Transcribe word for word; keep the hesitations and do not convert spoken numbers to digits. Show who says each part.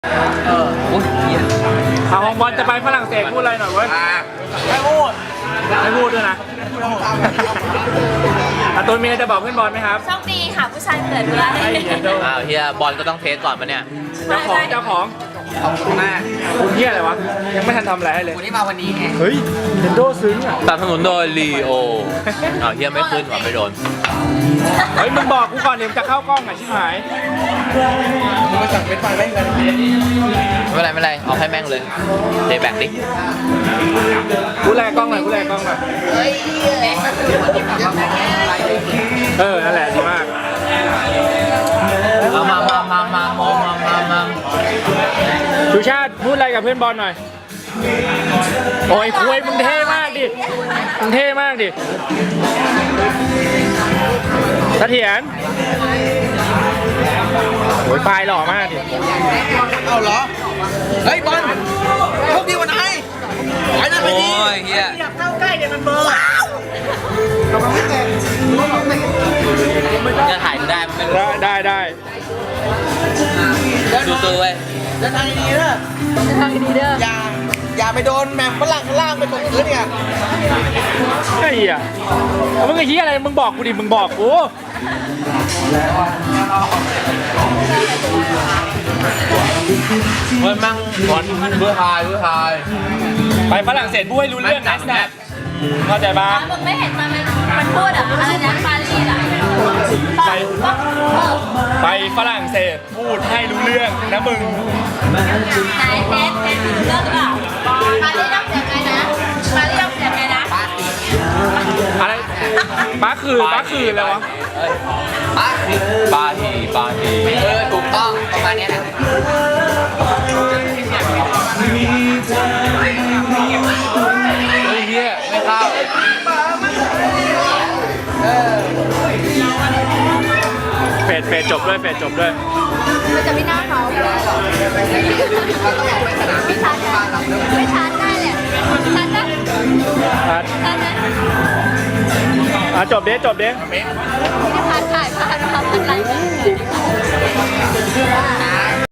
Speaker 1: เออโอ้ยเหี้ย
Speaker 2: เอาของบอลจะไปฝรั่งเศสพูดอะไรหน่อยเว้ย
Speaker 1: ไม่พูด
Speaker 2: ไม่พูดด้วยนะอาตูนมีอะไรจะบอกเพื่อนบอลไหมครับ
Speaker 3: โชคดีค่ะผู้ชายเกิดด้วย
Speaker 2: ไอ้เหี้ยโด
Speaker 1: อ้าวเฮียบอลก็ต้องเทสก่อนปะเนี่ย
Speaker 2: เจ้าของเจ้าของ
Speaker 1: ขอบคุณมาก
Speaker 2: คุณเหี้ยอะไรวะยังไม่ทันทำอะไรให้เลย
Speaker 1: วันนี้มาวันนี้ไง
Speaker 2: เฮ้ยเนโดซึ้งอ่ะ
Speaker 1: สนับสนุนโดยลีโออ้าวเฮียไม่ขึ้นหรอไม่โดน
Speaker 2: เฮ้ยมึงบอกกูก่อนเดี๋ยวจะเข้ากล้องอ่ะชิบหาย
Speaker 1: มึงมาสั่งเป็นไฟไม่กันไม่เป็นไรไม่เป็นไรเอาให้แม่งเลยเทแบกดิ
Speaker 2: กูแลกล้องหน่อยกูแลกล้องหน่อยเออนั่นแหละดีมาก
Speaker 1: เอามามามามามองมามามา
Speaker 2: ชูชาติพูดอะไรกับเพื่อนบอลหน่อยโอ้ยคุยมึงเท่มากดิมึงเท่มากดิเสถียรโอ้ยปลายหล่อมากดิ
Speaker 4: เอาเหรอ เฮ้ยบอลโชคดีวันไหนไอ้นั่นไป
Speaker 1: โอ้
Speaker 4: ดี
Speaker 1: ยเฮีย
Speaker 4: เข้าใกล้เดี๋ยวมันเบอร์ว้าว
Speaker 1: จะถ่ายได้มันไม่รู้
Speaker 2: ได้ได้ได้
Speaker 1: สู้ๆเว้ย
Speaker 4: เดินทางดีๆนะ
Speaker 3: ทางดีเด้อ
Speaker 4: อย่า อย่าไปโดนแมมฝรั่งข้างล่างไปตกพื้นเนี่ย
Speaker 2: ไอ้เหี้ยเอามึงไอ้เหี้ยอะไรมึงบอกกูดิมึงบอกกู
Speaker 1: เฮ้ยมั่งบอลเพื่อทายเพื่อทาย
Speaker 2: ไปฝรั่งเศสพูดให้รู้เรื่องนะแซดเข้าใจปะ
Speaker 3: มึงไม่เห็นมันมันพูดอ่ะอะไรนะปารีสอ่ะ
Speaker 2: ไป ไปฝรั่งเศสพูดให้รู้เรื่องนะมึง
Speaker 3: ไหนเทสเทสเลิกหรือเปล่าปารีสต้องเสียงไงนะปารีสต้องเสียงไงนะ
Speaker 2: อะไรบ้าคือบ้าคืออะไรวะ
Speaker 1: บาฮีบาฮีเออถูกต้องประมาณนี้แหละเฮ้ยเฮียไม่เข้า
Speaker 2: เฟดเฟดจบด้วยเฟดจบด้วย
Speaker 3: มันจะไม่น่าเขาไม่ชัดไม่ชัดได้เลยชัดนะ
Speaker 2: อ่ะ
Speaker 3: ชัดนะ
Speaker 2: อ่ะจบเด้จบเด้
Speaker 3: ที่พัดถ่ายพัดพัดพัดไลน์